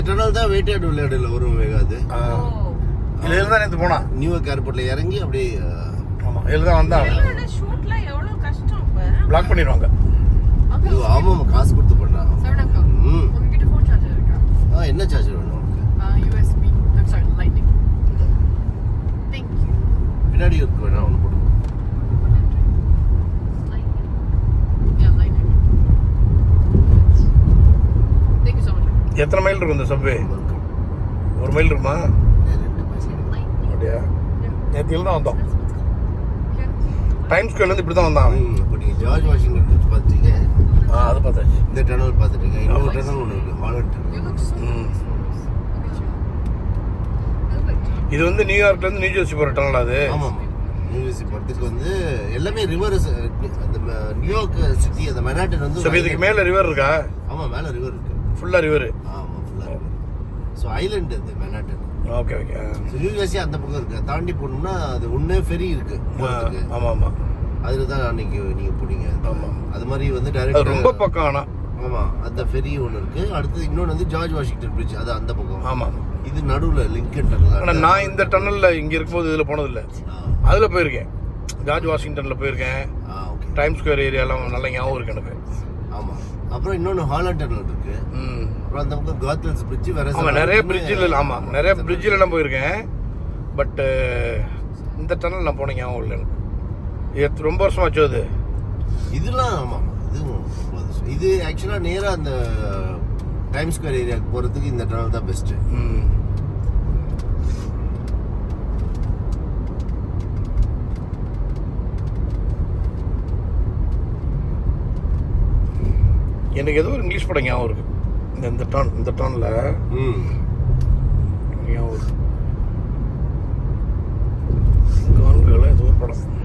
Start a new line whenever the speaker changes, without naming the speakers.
Tunnel தான் weighted விளையாடுல வரும் வேகாது.
இதுல இருந்தா நேத்து போனா
நியூயார்க் ஏர்போர்ட்ல இறங்கி அப்படியே
ஆமா இதுல தான் வந்தா
ஷூட்ல எவ்வளவு கஷ்டம் இப்ப.
பிளாக் பண்ணிடுவாங்க.
ஆமா காசு கொடுத்து பண்ணலாம்.
உங்ககிட்ட ஃபோன் சார்ஜர் இருக்கா?
என்ன சார்ஜர் வேணும் உங்களுக்கு?
USB. I'm sorry, lightning. Thank you.
பின்னாடி இருக்கு வேணா ஒன்று போடுங்க.
Lightning. Yeah, lightning. Thank you so much.
எத்தனை மைல் இருக்கும் இந்த சப்வே? 1 மைல் இருக்குமா? அப்படியா? நேத்தில தான் வந்தோம். டைம் ஸ்கொயர்லேருந்து இப்படி தான் வந்தான்.
இப்போ நீங்கள் ஜார்ஜ் வாஷிங்டன் பிரிட்ஜ் பார்த்துட்டீங்க.
அது பார்த்தாச்சு.
இந்த டனல் பார்த்துட்டீங்க. இன்னொரு டனல் ஒன்று இருக்குது, ஹாலண்ட் டனல்.
இது வந்து நியூயார்க்லேருந்து நியூ ஜெர்சி போகிற டனல் அது.
ஆமாம் நியூ ஜெர்சி போகிறதுக்கு வந்து எல்லாமே ரிவர். அந்த நியூயார்க் சிட்டி அந்த மெனாட்டன் வந்து
இதுக்கு மேலே ரிவர் இருக்கா?
ஆமாம் மேலே ரிவர் இருக்குது.
ஃபுல்லாக ரிவர்.
ஆமாம் ஃபுல்லாக ரிவர். ஸோ ஐலண்ட் அது Manhattan.
Okay okay.
New Jersey அந்த பக்கம் இருக்குது. தாண்டி போகணும்னா அது ஒன்றே ஃபெரி இருக்குது.
ஆமாம் ஆமாம்.
அதில் தான் அன்னைக்கு நீங்கள் போனீங்க.
ஆமாம்
அது மாதிரி வந்து டைரக்ட்
ரொம்ப பக்கம். ஆனால்
ஆமாம் அந்த ஃபெரி ஒன்று இருக்குது. அடுத்து இன்னொன்று வந்து ஜார்ஜ் வாஷிங்டன் பிரிட்ஜ், அது அந்த பக்கம்.
ஆமாம்
இது நடுவில் லிங்கன் டனல்.
ஆனால் நான் இந்த டன்னலில் இங்கே இருக்கும்போது இதில் போனதில்லை. அதில் போயிருக்கேன். ஜார்ஜ் வாஷிங்டனில் போயிருக்கேன்.
ஓகே.
டைம் ஸ்கொயர் ஏரியாலாம் நல்ல ஞாபகம் இருக்கு எனக்கு.
ஆமாம். அப்புறம் இன்னொன்று ஹாலண்ட் டனல் இருக்குது. அப்புறம் அந்த பக்கம் கார்த்தல்ஸ் பிரிட்ஜ் வேறு.
ஆமாம் நிறைய பிரிட்ஜில். ஆமாம் நிறைய பிரிட்ஜிலலாம் போயிருக்கேன். பட்டு இந்த டனல் நான் போன ஞாபகம் இல்லை எனக்கு. இது ரொம்ப வருஷமாச்சு அது.
இதெல்லாம் ஆமாம் இதுவும் இது ஆக்சுவலாக நேராக அந்த டைம் ஸ்கொயர் ஏரியாவுக்கு போகிறதுக்கு இந்த டனல் தான் பெஸ்ட்டு.
எனக்கு ஏதோ ஒரு இங்கிலீஷ் படம் ஞாபகம் இருக்கு. இந்த டர்னில் ஞாபகம் இருக்கு. ஏதோ ஒரு படம்